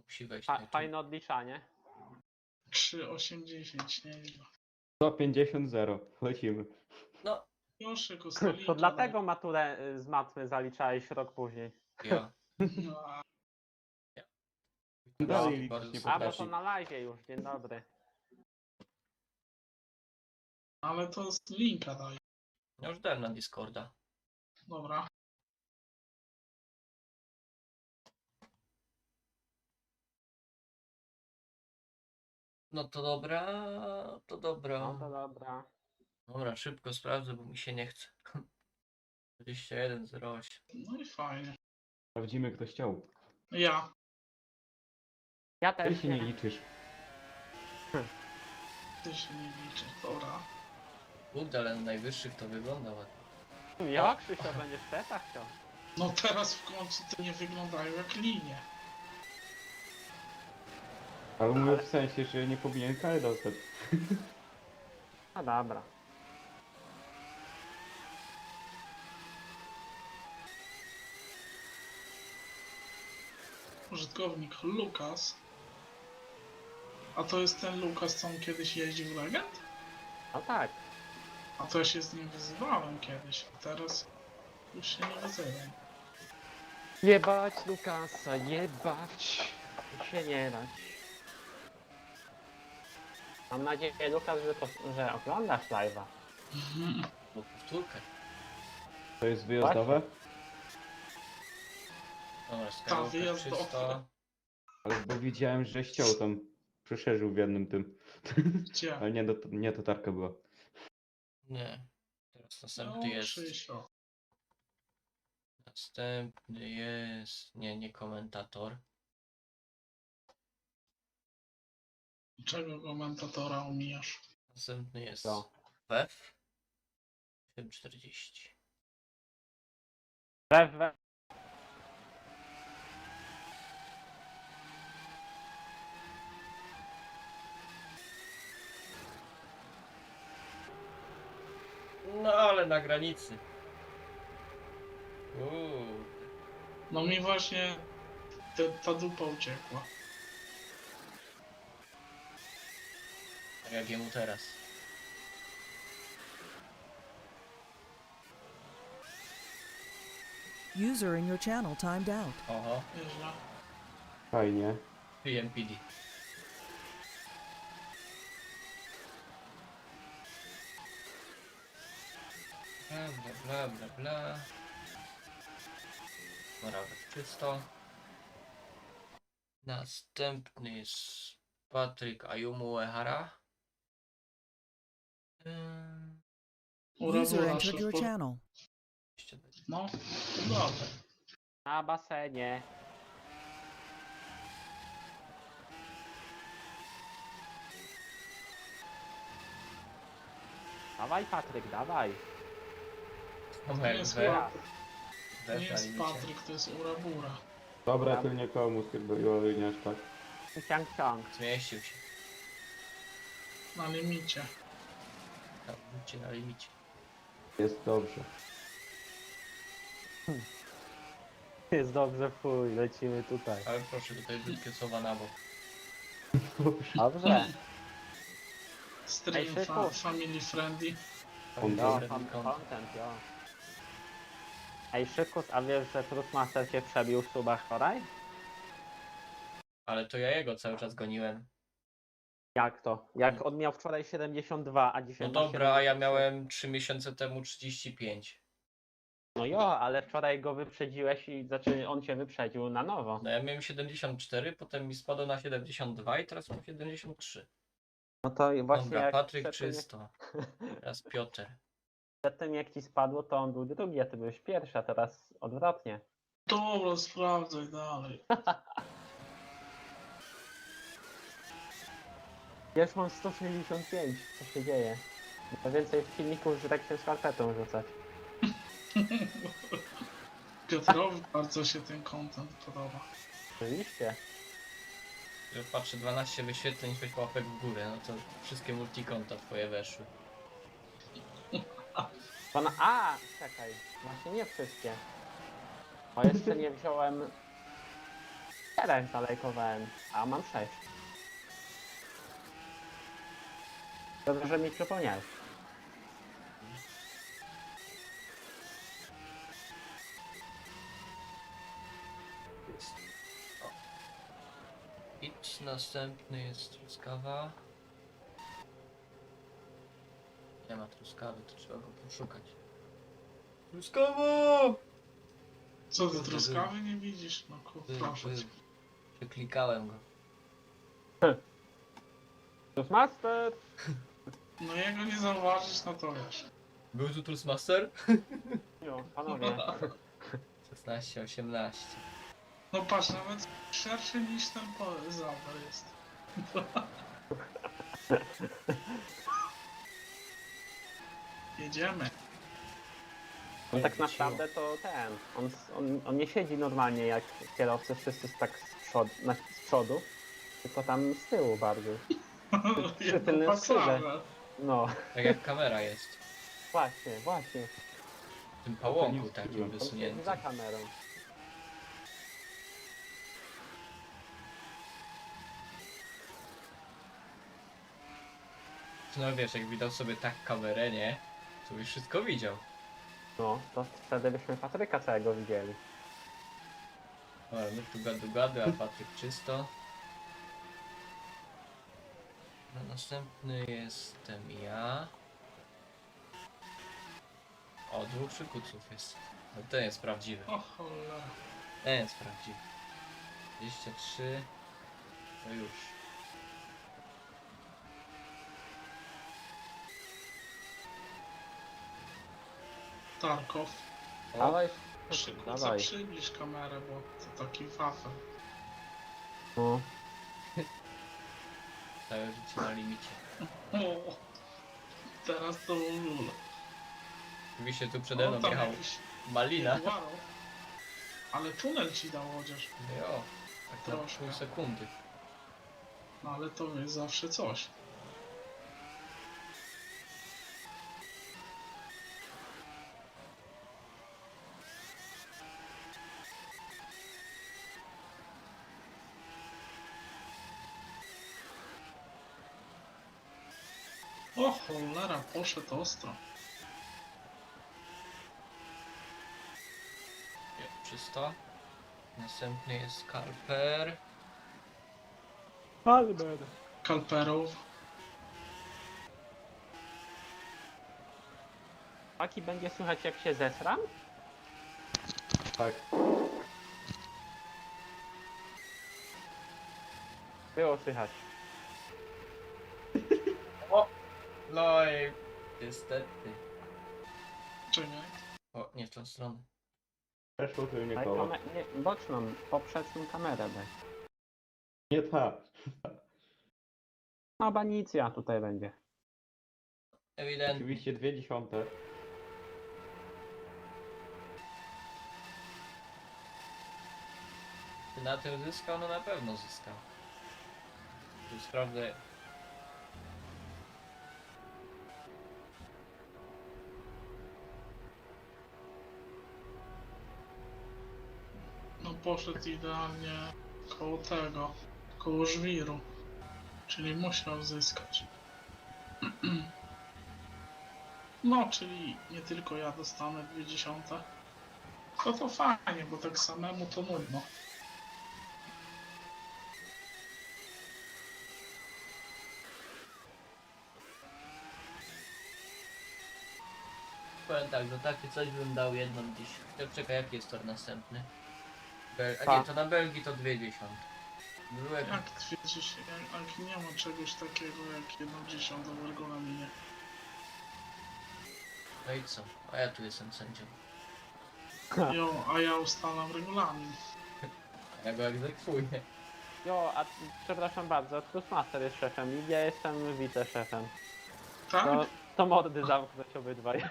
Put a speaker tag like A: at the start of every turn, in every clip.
A: musi wejść na YouTube.
B: Fajne odliczanie.
C: 3,80, nieźle.
D: 150 0. Lecimy.
A: No,
C: Proszę go stolika.
B: To dlatego maturę z matmy zaliczałeś rok później.
A: ja.
C: No,
D: Dalej
A: Bardzo
D: liczyć nie
B: A, bo
D: potrafi.
B: to na live już, dzień dobry.
C: ale to z linka daj.
A: Ja już dałem na Discorda.
C: Dobra.
A: No to dobra, to dobra.
B: No to dobra.
A: Dobra, szybko sprawdzę, bo mi się nie chce. 21:08.
C: No i fajnie.
D: Sprawdzimy, kto chciał.
C: Ja.
B: Ja
D: Ty
B: też
D: się nie liczysz.
C: Ty się nie liczy. Dobra.
A: Kurde, ale na najwyższych to wygląda ładnie.
B: Ja Krzysia będziesz w tetach chciał.
C: No teraz w końcu to nie wyglądają jak linie.
D: Ale mówię w sensie, że nie powinien karę dostać.
B: No dobra.
C: Użytkownik Lukas. A to jest ten Lukas, co on kiedyś jeździł w Legend?
B: No tak.
C: A to ja się z nim wyzywałem kiedyś, a teraz już się nie wyzywam.
B: Jebać Lukasa, jebać. Się nie dać. Mam nadzieję, Lukas, że oglądasz live'a.
A: Lub powtórkę.
D: To jest wyjazdowe,
A: Dobra, Skywalker
C: wyjazdowa.
A: 300.
D: ale bo widziałem, że ściął tam. Przeszerzył w jednym tym.
C: Gdzie?
D: Ale nie tatarka była.
A: Nie. Teraz
C: No,
A: następny jest.
C: Krzysio.
A: Następny jest. Nie komentator.
C: Czego komentatora omijasz?
A: Następny jest
B: Co?
A: WEF 740.
B: We.
A: No ale na granicy.
C: No mi właśnie ta dupa uciekła.
A: Tak jak jemu teraz.
E: User in your channel timed out.
A: Oho,
C: Nieźle.
D: Fajnie.
A: PMPD. Bla bla bla bla bla. Morawek czysto. Następny jest Patryk Ayumu Uehara.
E: User
C: Urebura
E: entered your
C: szybko.
E: channel.
C: No, dobra.
B: Na basenie. Dawaj Patryk, dawaj.
C: To nie
A: Numer
C: jest,
A: W.
C: Patryk, to
A: W
C: nie
A: na
C: jest
A: limicie.
C: Patryk, to jest Urabura.
D: Dobra, to nie komu chyba nie aż tak.
B: Ciąg.
A: Zmieścił się.
C: Na limicie.
A: Tam, budźcie na limicie.
D: Jest dobrze.
B: Jest dobrze, fuj, lecimy tutaj.
A: Ale proszę, tutaj brzydkie słowa na bok.
B: Dobrze.
C: Stream
B: Ej, szybko.
C: family friendly.
B: Jo,
A: Friendly content.
B: content, jo. Ej, Szykus, a wiesz, że Trustmaster się przebił w subach wczoraj?
A: Ale to ja jego cały czas goniłem.
B: Jak to? Jak on miał wczoraj 72, a dzisiaj
A: No
B: ma
A: dobra, a ja
B: 73.
A: miałem 3 miesiące temu 35.
B: No jo, ale wczoraj go wyprzedziłeś i znaczy on cię wyprzedził na nowo.
A: No ja miałem 74, potem mi spadło na 72 i teraz mam 73.
B: No to właśnie
A: Dobra,
B: jak
A: Patryk
B: przedtem,
A: czysto. Teraz Piotr.
B: przedtem jak ci spadło, to on był drugi, a ty byłeś pierwszy, a teraz odwrotnie.
C: Dobra, sprawdzaj dalej.
B: Ja już mam 165, co się dzieje? To więcej filmików, że tak się skarpetą rzucać.
C: Piotrowi bardzo się ten content podoba.
B: Oczywiście.
A: Ja patrzę 12 wyświetleń, 6 łapek w górę, no to wszystkie multikonta twoje weszły.
B: A, czekaj, właśnie nie wszystkie. Bo jeszcze nie wziąłem... 4 zalajkowałem, a mam 6. Dobrze, że mi przypomniałeś.
A: Jest. O. Idź, następny jest truskawa. Nie ma truskawy, to trzeba go poszukać. Truskawa!
C: Co ty
A: Kurde,
C: truskawy nie widzisz? No proszę cię.
A: Przeklikałem go.
B: Toastmaster!
C: No jego nie zauważysz, no to wiesz.
A: Był tu Trustmaster?
B: Jo, panowie.
A: 16, 18.
C: No patrz, nawet szerszy niż ten zawer jest. Jedziemy.
B: On tak naprawdę to on nie siedzi normalnie jak kierowcy wszyscy tak z przodu, tylko tam z tyłu bardziej. Przy tylnym
C: Jedną
B: skrzydle.
C: pasrawę.
B: No,
A: Tak jak kamera jest.
B: właśnie.
A: W tym pałąku
D: nie
A: takim
D: wstydziłem.
B: On siedzi
A: wysuniętym.
B: za kamerą.
A: No wiesz, jak widał sobie tak kamerę, nie? To już wszystko widział.
B: No, to wtedy byśmy Patryka całego widzieli.
A: O, my tu gadu, a Patryk czysto. No, następny jestem ja. O, 2 przykuców jest. No, ten jest prawdziwy.
C: O cholera.
A: Ten jest prawdziwy. 23. To już.
C: Tarkow.
A: O,
B: Dawaj,
C: Przykuca,
B: dawaj.
C: przybliż kamerę, bo to taki wafel.
B: No.
A: całe życie na limicie.
C: O, teraz to w ogóle.
A: Oczywiście tu przede mną
C: tam
A: jechał
C: jakiś
A: Malina.
C: Jaguaro. Ale tunel ci dał chociaż.
A: Jo, tak na
C: Troszkę.
A: pół sekundy.
C: No ale to jest zawsze coś. O cholera, poszedł ostro.
A: Jo, 300. Następny jest Karper.
B: Albert.
C: Kalperów.
B: Taki będzie słychać jak się zesram?
D: Tak.
B: Było słychać.
A: No i niestety.
C: Czekaj.
A: O, nie w tą stronę.
D: Przeszło tylnie
B: Ale
D: koło.
B: nie, boczną, poprzeczną kamerę daj.
D: Nie ta.
B: No banicja tutaj będzie.
A: Ewidentnie.
D: Oczywiście 0,2.
A: Czy na tym zyskał? No na pewno zyskał. Tu sprawdzę.
C: No poszedł idealnie koło tego, koło żwiru. Czyli musiał zyskać. No, czyli nie tylko ja dostanę 0,2. To fajnie, bo tak samemu to nudno.
A: Powiem tak, za takie coś bym dał jedną gdzieś. Czekaj, jaki jest tor następny? A
B: Pa.
A: nie, to na Belgii to 0,2. Byłem.
C: Jak twierdzisz, jak nie ma czegoś takiego jak 1,10 w regulaminie.
A: No i co? A ja tu jestem sędzią.
C: Jo, a ja ustalam regulamin.
A: Ja go egzekwuję.
B: Jo, a przepraszam bardzo, Toastmaster jest szefem i ja jestem wiceszefem.
C: Tak?
B: To mordy zamknąć obydwaj.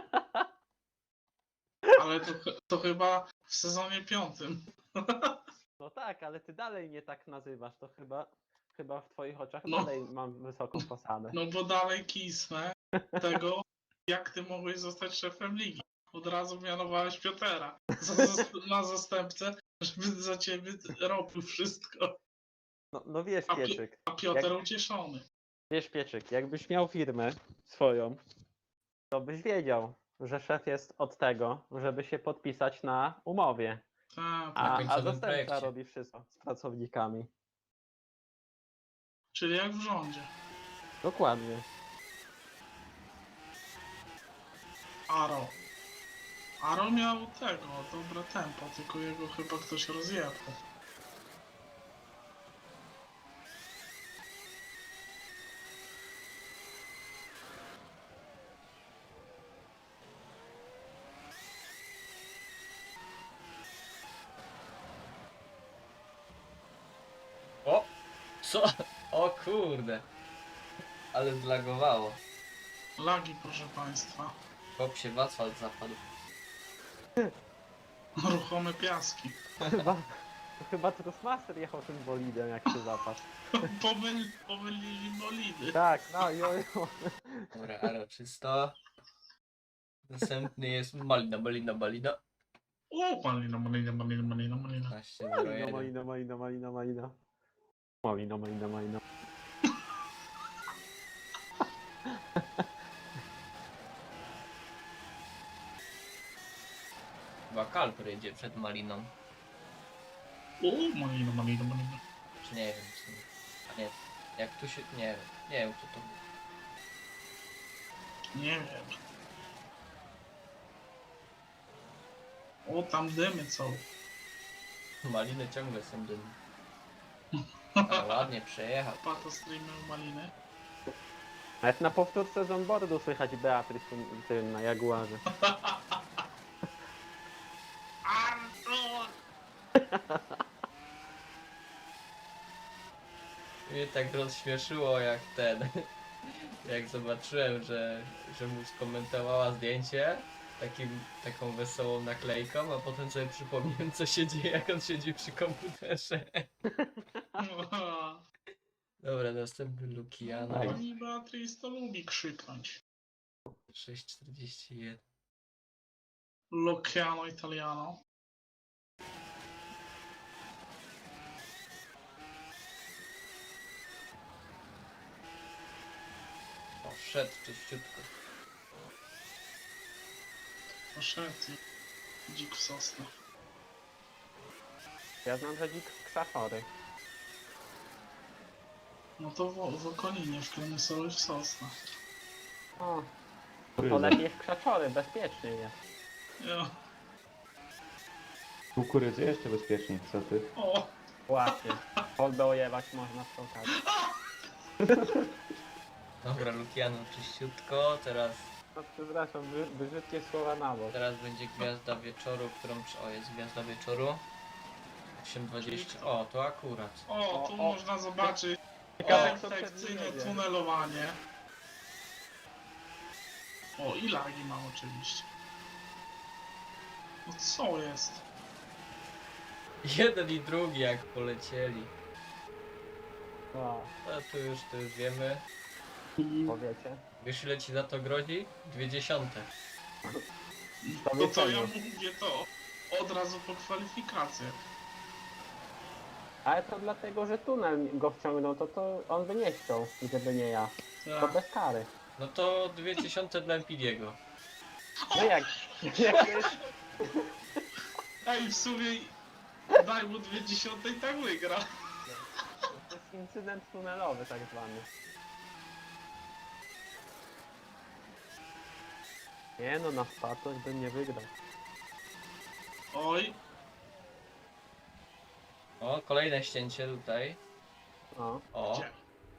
C: Ale to chyba w sezonie 5.
B: No tak, ale ty dalej mnie tak nazywasz, to chyba w twoich oczach
C: No.
B: dalej mam wysoką posadę.
C: No bo dalej kisnę tego, jak ty mogłeś zostać szefem ligi. Od razu mianowałeś Piotera na zastępcę, Żeby za ciebie robił wszystko.
B: No wiesz,
C: A,
B: Pieczyk.
C: a Piotr ucieszony.
B: Wiesz, Pieczyk, jakbyś miał firmę swoją, to byś wiedział, że szef jest od tego, żeby się podpisać na umowie,
C: Tak,
A: Na
B: a
A: końcowym
B: zastępca
A: projekcie.
B: robi wszystko z pracownikami.
C: czyli jak w rządzie.
B: Dokładnie.
C: Aro. Aro miał tego, dobre tempo, tylko jego chyba ktoś rozjebał.
A: O! Co? O kurde! Ale zlagowało.
C: Lagi, proszę państwa.
A: Chłop się w asfalt zapadł.
C: Ruchome piaski.
B: Chyba Trustmaster jechał tym bolidem, jak się zapadł.
C: Pomylili bolidy.
B: Tak, no jojo.
A: Dobra, ale czysto. Następny jest malina, malina, malina.
C: O, malina, malina, malina, malina, malina.
A: 15.01.
B: Malina, malina, malina, malina. Malina, malina, malina.
A: Chyba Kalper jedzie przed maliną.
C: O, malina, malina, malina.
A: Czy nie wiem, czy nie. A nie, jak tu się... Nie wiem. Nie wiem, kto to był.
C: Nie wiem. O, tam dymy są.
A: Maliny ciągle są dym. Ale ładnie przejechał.
C: Pato streamy maliny.
B: Nawet na powtórce z onboardu słychać Beatrice tym na Jaguarze.
C: Artur!
A: Mnie tak rozśmieszyło jak ten... Jak zobaczyłem, że mu skomentowała zdjęcie taką wesołą naklejką, a potem sobie przypomniałem, co się dzieje, jak on siedzi przy komputerze. Dobra, następny Lukiano.
C: Pani Beatrice to lubi krzyknąć.
A: 6.41.
C: Luciano Italiano.
A: O, wszedł czyściutko.
C: Poszedł i dzik w sosnę.
B: Ja znam, że dzik krzachory.
C: No to w okolinie, w Klenysowie w sosnę.
B: O, to
D: Kukurydza.
B: lepiej w krzaczory, bezpieczniej jest.
C: Ja.
D: Kukurydzy jeszcze bezpieczniej, co ty?
C: O!
B: Właśnie. Kolbę ojebać można w tą kartę.
A: Dobra, Lukiano czyściutko. Teraz
B: No przepraszam, brzydkie słowa na bok.
A: będzie gwiazda wieczoru, którą... O, jest gwiazda wieczoru. 8.20. O, to akurat.
C: O, tu
B: O, o.
C: można zobaczyć
B: Ciekawe, kto
C: perfekcyjne
B: przed nim
C: tunelowanie. O, i lagi mam oczywiście. No co jest?
A: Jeden i drugi jak polecieli.
B: O,
A: No to już wiemy.
B: powiecie.
A: Wiesz ile ci za to grozi? 0,2.
B: To
C: To co ja
B: wiecie.
C: mówię to od razu po kwalifikacjach.
B: Ale to dlatego, że tunel go wciągnął, to on by nie chciał, gdyby nie ja. To
C: Tak.
B: bez kary.
A: No to 0,2 dla Empidiego.
B: No jak to jest...
C: Ej, w sumie daj mu 0,2 i tak wygra.
B: To jest incydent tunelowy tak zwany. Nie no, na spadłość bym nie wygrał.
C: Oj,
A: O, kolejne ścięcie tutaj.
B: No.
A: O,
C: gdzie?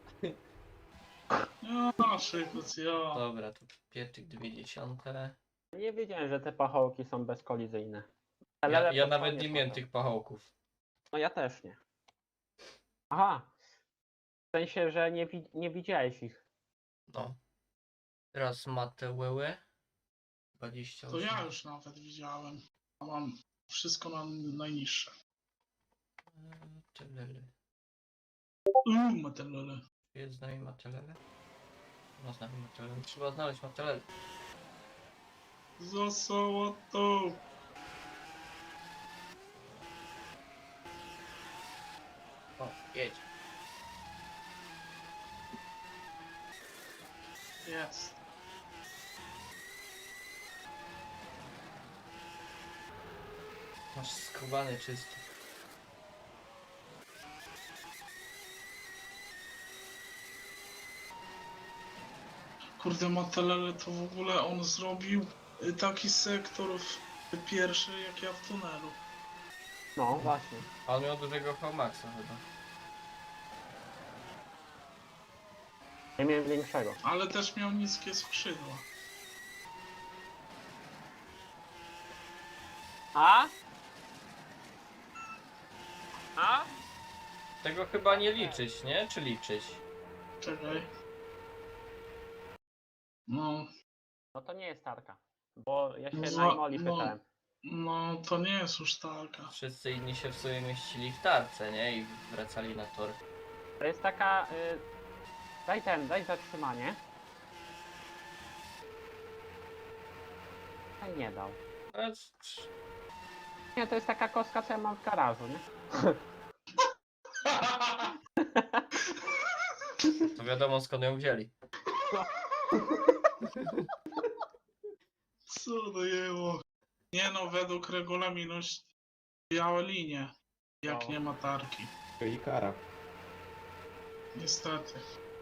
C: Ja, szykuc, ja.
A: dobra, tu pieczyk 0,2.
B: Nie wiedziałem, że te pachołki są bezkolizyjne.
A: Ja
B: LLF
A: nawet
B: to
A: nie miałem
B: są.
A: tych pachołków.
B: No ja też nie. Aha. W sensie, że nie widziałeś ich.
A: No. Teraz Mateuły.
C: To
A: 28.
C: ja już nawet widziałem. A mam wszystko na najniższe.
A: Telele.
C: Matelele.
A: Jest z nami Matelele? No z nami Matelele. Trzeba znaleźć Matelele.
C: Za sałatą.
A: O, jedź.
C: Jest.
A: Masz skubany czysty.
C: Kurde, Matelele to w ogóle on zrobił taki sektor pierwszy jak ja w tunelu.
B: No właśnie.
A: A on miał dużego Hamaxa chyba.
B: Ja miałem większego.
C: Ale też miał niskie skrzydła.
B: A? A?
A: Tego chyba nie liczyć, nie? Czy liczyć?
C: Czekaj. No,
B: No to nie jest tarka. Bo ja się
C: No,
B: na Imoli
C: no.
B: pytałem.
C: no to nie jest już taka.
A: Wszyscy inni się w sumie mieścili w tarce, nie? I wracali na tor.
B: To jest taka... daj zatrzymanie. A nie dał.
A: No,
B: Nie, to jest taka kostka, co ja mam w garażu, nie?
A: to wiadomo skąd ją wzięli.
C: Co dojęło? Nie no, według regulaminu białe linie. Jak
B: No.
C: nie ma tarki.
D: I kara.
C: Niestety.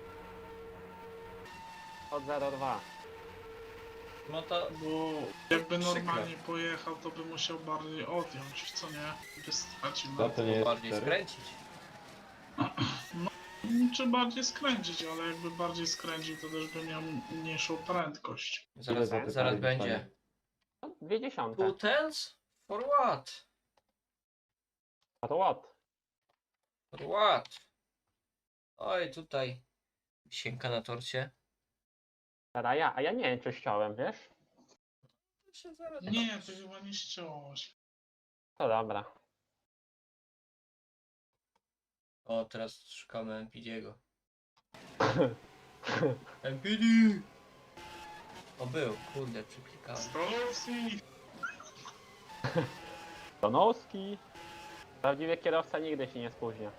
B: Od 0,2.
A: No to
C: Bo jakby
A: Przykre.
C: normalnie pojechał, to by musiał bardziej odjąć, co nie? By stracił
D: Za
C: na
D: to nie jest
A: bardziej
D: 4.
A: skręcić.
C: Czy bardziej skręcić, ale jakby bardziej skręcił, to też by miał mniejszą prędkość.
A: Zaraz,
D: za te
A: zaraz
D: pary
A: będzie.
D: dostanie?
B: No, 0,2.
A: Two tens? For what?
B: A to what?
A: For what? Oj, tutaj sienka na torcie.
B: Teraz ja, a ja nie wiem, czy ściąłem, wiesz?
A: To się zaraz
C: Nie, to chyba nie ściąłeś.
B: To dobra.
A: O, teraz szukamy MPD'ego. MPD! O, był, kurde, przyklikałem.
C: Stolowski!
B: Donowski. Prawdziwy kierowca nigdy się nie spóźnia.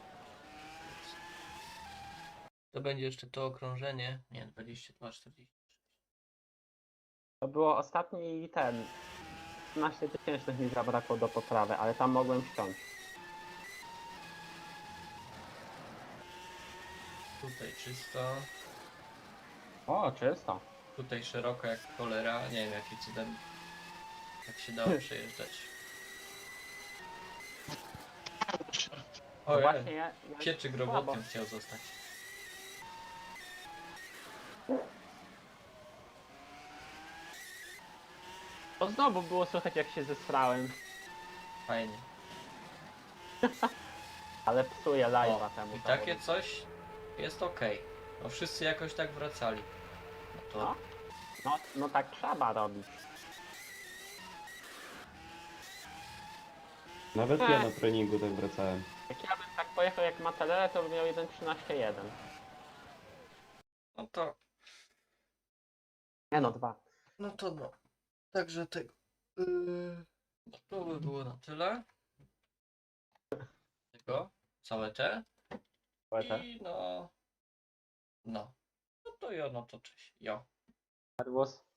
A: To będzie jeszcze to okrążenie. Nie, 22, 40.
B: To było ostatni ten. 15 tysięcznych mi zabrakło do poprawy, ale tam mogłem ściąć.
A: Tutaj czysto.
B: O, czysto.
A: Tutaj szeroko jak cholera. Nie wiem jakim cudem tak się dało przejeżdżać.
B: No
A: O,
B: właśnie ja
A: Pieczyk
B: słabo.
A: robotnią chciał zostać.
B: To znowu było słychać, jak się zesrałem.
A: Fajnie.
B: Ale psuję live'a
A: O,
B: temu.
A: i takie coś jest ok. No wszyscy jakoś tak wracali. No to
B: No. No tak trzeba robić.
D: Nawet ja na treningu tak wracałem.
B: Jak ja bym tak pojechał jak Matelele, to bym miał 1.13.1.
A: no to
B: Nie no, 2.
A: no to no. Także tego. To by było na tyle. Tego. Całe te. I no. No. No to jo, no to cześć. Jo.
B: Servus.